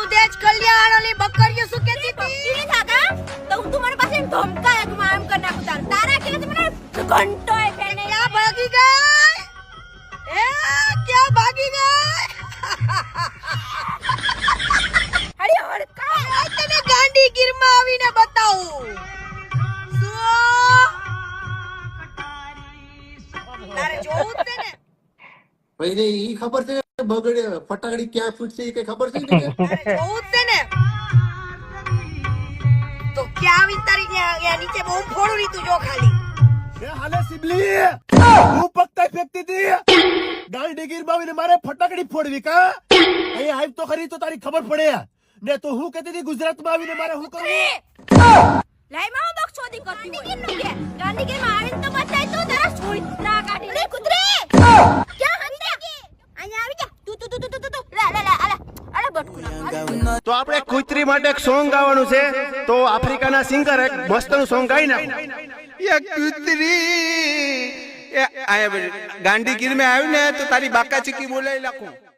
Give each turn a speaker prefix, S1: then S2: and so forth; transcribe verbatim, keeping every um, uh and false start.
S1: દેજ કલ્યાણ ઓલી બકરીઓ શું કહેતી હતી
S2: ઈ કાકા તો હું તમારી પાસે ધમકાય કે આમ કર નાખું તાર તારા કે મને ઘંટોય ફેને
S1: ક્યાં ભાગી ગઈ એ ક્યાં ભાગી ગઈ
S2: અરે હડકા
S1: આ તને ગાંડી ગીરમાં આવીને બતાવું શું તારે જોવું છે ને
S3: ભાઈને ઈ ખબર છે બગડે ફટાકડી ક્યાં ફૂટશે ઈ કઈ ખબર છે ને
S1: તારે જોવું છે ને તો ક્યાં આવી તારી ત્યાં નીચે બહુ ફોડું ની તું જો ખાલી
S4: એ હાલે સિબલી હું પકતા ફેંકતી હતી ગાંડી ગીરમાં આવીને મારે ફટાકડી ફોડવી કા અહીં આવ તો ખરી તો તારી ખબર પડે ને તો હું કહેતી હતી ગુજરાતમાં આવીને મારે હું કરવું
S2: લાઈ માં બક્ષોદી કરતી હોય ગાંધીગીર નું કે ગાંધીગીર માં આવીને તો બતાય તો તારા છોડના કાઢી અરે કુતરી ક્યાં હંતા અહીંયા આવી જા તું તું તું તું તું તું લા લા લા આલા આલા બટકુના
S4: તો આપણે કુતરી માટે એક સોંગ ગાવાનું છે તો આફ્રિકાના સિંગર એક મસ્તનું સોંગ ગાઈ નાખો
S5: ये कुतरी ये आया गांधी गिर में आयु ने तो तारी बाका चिकी बोले लाखों